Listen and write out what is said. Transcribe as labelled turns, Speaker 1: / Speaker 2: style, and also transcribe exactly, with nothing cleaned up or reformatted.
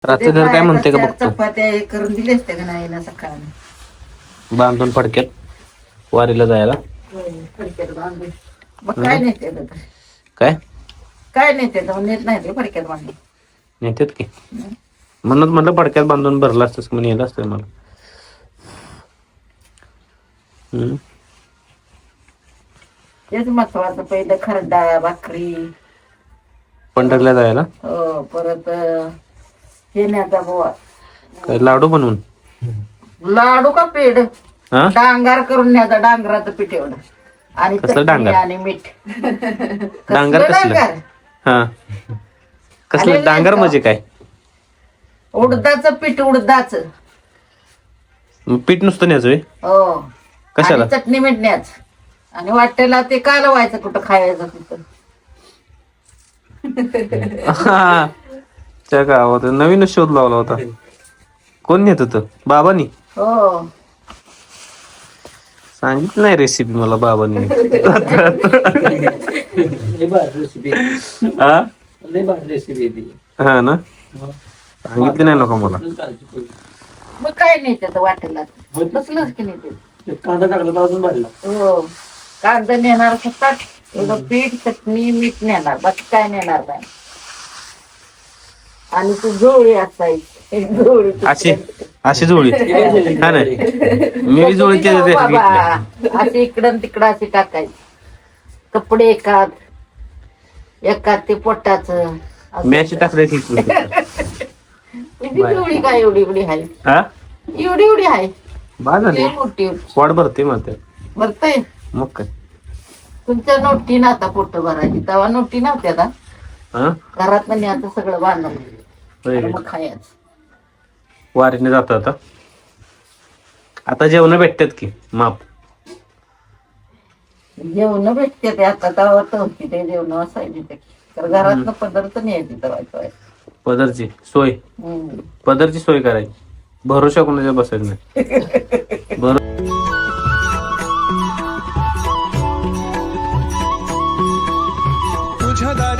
Speaker 1: रात्री घर काय म्हणते का बघतो.
Speaker 2: चपात्या हे करून दिले असते का नाही ना सकाळी
Speaker 1: बांधून फडक्यात वारीला जायला.
Speaker 2: फडक्यात बांधून मग काय नाही ते
Speaker 1: काय
Speaker 2: काय नाही ते नेत नाही ते फडक्यात बांधून
Speaker 1: नेतात की म्हणूनच म्हटलं फडक्यात बांधून भरला असतंस म्हणून येलं असतं मला. हम्म.
Speaker 2: तेच महत्वाचं पहिलं खरडा भाकरी
Speaker 1: पंढरला जायला
Speaker 2: हो परत हे न्याचा बोवा
Speaker 1: काय लाडू बनवून
Speaker 2: लाडू का पेड
Speaker 1: हा
Speaker 2: डांगार करून न्याचा डांगराचं पीठ एवढं आणि
Speaker 1: कसलं
Speaker 2: चटणी
Speaker 1: डांगर?
Speaker 2: आणि मीठ
Speaker 1: डांगर कसलं?
Speaker 2: डांगर?
Speaker 1: हा कसलं
Speaker 2: आणि
Speaker 1: डांगर
Speaker 2: नेमकं?
Speaker 1: म्हणजे काय?
Speaker 2: उडदाचं पीठ उडदाचं
Speaker 1: पीठ नुसतं न्यायचोय
Speaker 2: हो
Speaker 1: कशाला?
Speaker 2: आणि चटणी मीठ न्याच आणि वाटेला ते काल व्हायचं कुठं खायचं तिथं
Speaker 1: हा, त्या गावात नवीनच शोध लावला होता. कोण नेत होतं? बाबांनी
Speaker 2: हो
Speaker 1: सांगितलं नाही रेसिपी मला बाबांनी. हा हा ना सांगितली नाही लोक मला.
Speaker 2: मग काय नाही त्याचं वाटेला बसलंच की नाही ते
Speaker 3: कांदा टाकला तर अजून भारी लागतं.
Speaker 2: हो कांदा नेणार फक्त एवढं पीठ चटणी मीठ नेणार बाकी काय नेणार नाही आणि तू जोळी असायची जोळी
Speaker 1: अशी अशी जोळी हा नाही मी बी जोळी
Speaker 2: नको
Speaker 1: केली
Speaker 2: बाबा अशी इकडं तिकडं अशी टाकायची कपडे एकात एकात ते पोटाचं
Speaker 1: मी अशी टाकली ठीक.
Speaker 2: तुझी जोळी काय एवढी एवढी आहे
Speaker 1: हा
Speaker 2: एवढी एवढी आहे
Speaker 1: बा झाली
Speaker 2: लई मोठी
Speaker 1: वाट भरते मग ते
Speaker 2: भरतय
Speaker 1: मग काय
Speaker 2: तुमच्या नोटी ना आता पोट भरायची तेव्हा नोटी नव्हत्या का
Speaker 1: हा
Speaker 2: घरात नाही आता सगळं बांधून
Speaker 1: होय.
Speaker 2: आणि मग खायचं
Speaker 1: वारीने जात आता आता जेवण भेटतात की माप
Speaker 2: जेवण भेटते ते आता तेव्हा तर होती ते जेवण असायची ते तर घरात पदार्थ न्यायची तेव्हा
Speaker 1: पदरची सोय पदरची सोय करायची भरोशा कोणाच्या बसायचं नाही. बरोबर
Speaker 4: तुझ्या